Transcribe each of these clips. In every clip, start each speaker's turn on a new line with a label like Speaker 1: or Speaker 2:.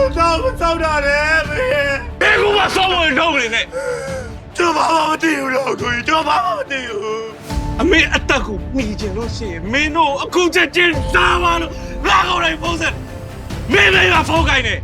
Speaker 1: ဆောက်တာလေမင်းဘယ်ကူမှဆောက်လို့ထုတ်နေနဲ့ကျွန်တော်ဘာမှမသိဘူးလို့ကိုကြီးကျွန်တော်ဘာမှမသိဘူးအမေအတက်ကိုမိချင်လို့ရှိရင်မင်းတို့အခုချက်ချင်းစားပါလို့ငါကိုယ်တိုင်ဖုန်းဆက်မင်းလည်းကဖုန်းကိုင်းနေ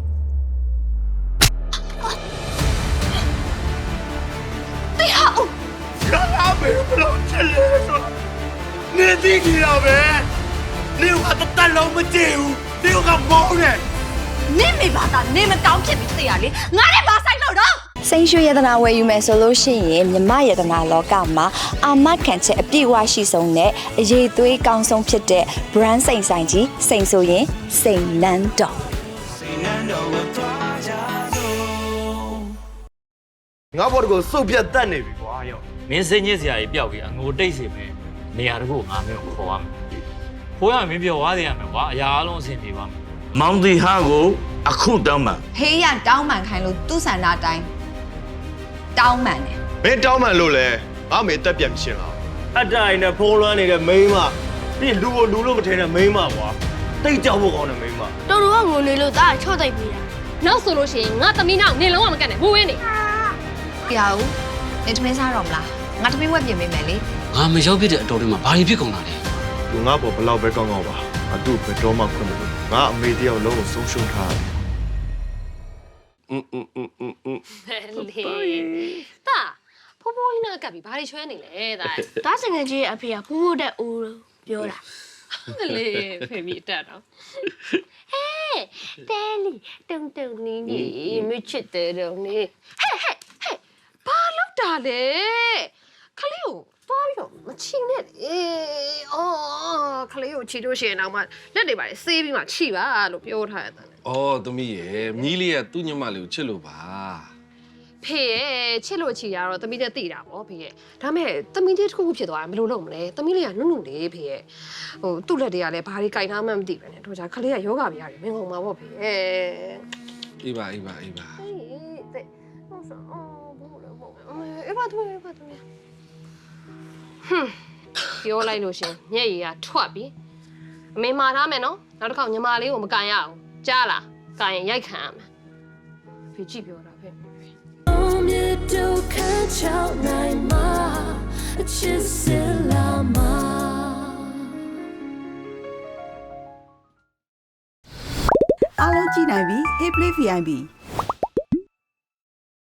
Speaker 1: တရားဦးဘာပဲဘလို့ချက်လဲဆိုနေသိကြတော့ပဲနေကအတက်လုံးမကြည့်ဘူးနေကမောင်းနေ
Speaker 2: နေမိပါတာနေမကောင်းဖြစ်ပြီးသိရလေငါလည်းမဆိုင်လို့တော့
Speaker 3: စိန်ရွှေရတနာဝယ်ယူမယ်ဆိုလို့ရှိရင်မြမရတနာလောကမှာအာမခံချက်အပြည့်အဝရှိဆုံးနဲ့အရေးသွေးကောင်းဆုံးဖြစ်တဲ့ brand စိန်ဆိုင်ကြီးစိန်ဆိုရင်စိန်နန်းတော်
Speaker 1: ငါဘော်ကိုစုပ်ပြတ်တတ်နေပြီကွာရော
Speaker 4: မင်းစိတ်ညစ်စရာကြီးပျောက်ပြီးအငိုတိတ်စေမယ်နေရာတခုငါမျိုးခေါ်ရမယ်ဖိုးရမင်းပြောသွားတယ်ရမယ်ကွာအရာအလုံးအဆင်ပြေပါမယ်
Speaker 1: မောင်တီဟာကိုအခုတောင်းမှန်
Speaker 2: ဟေးရတောင်းမှန်ခိုင်းလို့သူ့ဆန္ဒတိုင်းတောင်းမှန်တယ်
Speaker 1: မင်းတောင်းမှန်လို့လဲငါမေတက်ပြန်ရှင်းလာအတိုင်နဲ့ဖုံးလွှမ်းနေတဲ့မိန်းမပြီးလူကိုလူလို့မထင်တဲ့မိန်းမကွာတိတ်ကြောက်ဖို့ကောင်းတဲ့မိန်းမ
Speaker 5: တော်တော်ကငိုနေလို့ဒါချော့တိုက်ပြီးတာနောက်ဆိုလို့ရှိရင်ငါသမီးနောက်နေလုံးဝမကတ်နဲ့ဘူးဝင်းနေ
Speaker 2: ပြောင်းနေသမင်းစားတော့မလားငါသမီးဝက်ပြင်ပေးမယ်လေ
Speaker 6: ငါမရောက်ဖြစ်တဲ့အတော်တွေမှာဘာတွေဖြစ်ကုန်တာလဲ
Speaker 1: သူငါ့ဘောဘလောက်ပဲကောင်းကောင်းပါအတူဘယ်တော့မှခွင့်မလို့ငါအမေတယောက်လုံးကိုဆုံးရှုံးထားတယ်
Speaker 5: လေတာဖိုးဖိုးကြီးနာကပ်ပြီးဘာတွေချွဲနေလဲတာဒါစငယ်ကြီးအဖေကဖိုးဖိုးတဲ့အိုးလို့ပြောတာလေဖေမီတက်တော့ဟဲ့တဲလီတုံတုံနီးကြီးမချစ်တယ်တော့နေဟဲ့ဘာလုပ်တာလဲခလေးကိုသွားပြီးတော့မချီနဲ့အော်ခလေးကိုချီလို့ရှိရင်တော့မှလက်တွေပါလေဆေးပြီးမှချီပါလို့ပြောထားရတယ်
Speaker 7: ။အော်သမီးရဲ့မြီးလေးကသူ့ညမလေးကိုချစ်လို့ပါ
Speaker 5: ။ဖေရဲ့ချစ်လို့ချီရတော့သမီးလည်းသိတာပေါ့ဖေရဲ့။ဒါမဲ့သမီးလေးတစ်ခုခုဖြစ်သွားရင်ဘယ်လိုလုပ်မလဲ။သမီးလေးကနုနုလေးဖေရဲ့။ဟိုသူ့လက်တွေကလည်းဘာတွေကြိုက်ထားမှမသိပဲနဲ့တို့ကြခလေးကယောဂဗျာတွေမင်းကုန်မှာပေါ့ဖေရဲ့
Speaker 7: ။အေးပါ။
Speaker 5: ဟေးတဲ့။ဟုတ်ဆိုအော်ဘူးလို့ပေါ့။အေးပါသူ။ဟွန်းပြောလိုက်လို့ရှင်ညက်ရည်ကထွက်ပြီအမေမှာထားမယ်နော်နောက်တစ်ခါညီမလေးကိုမကန်ရအောင်ကြားလားကန်ရင်ရိုက်ခံရမယ်ဖေကြည့်ပြောတာဖေ
Speaker 8: အားလုံးကြည့်နိုင်ပြီ Hey Play VIP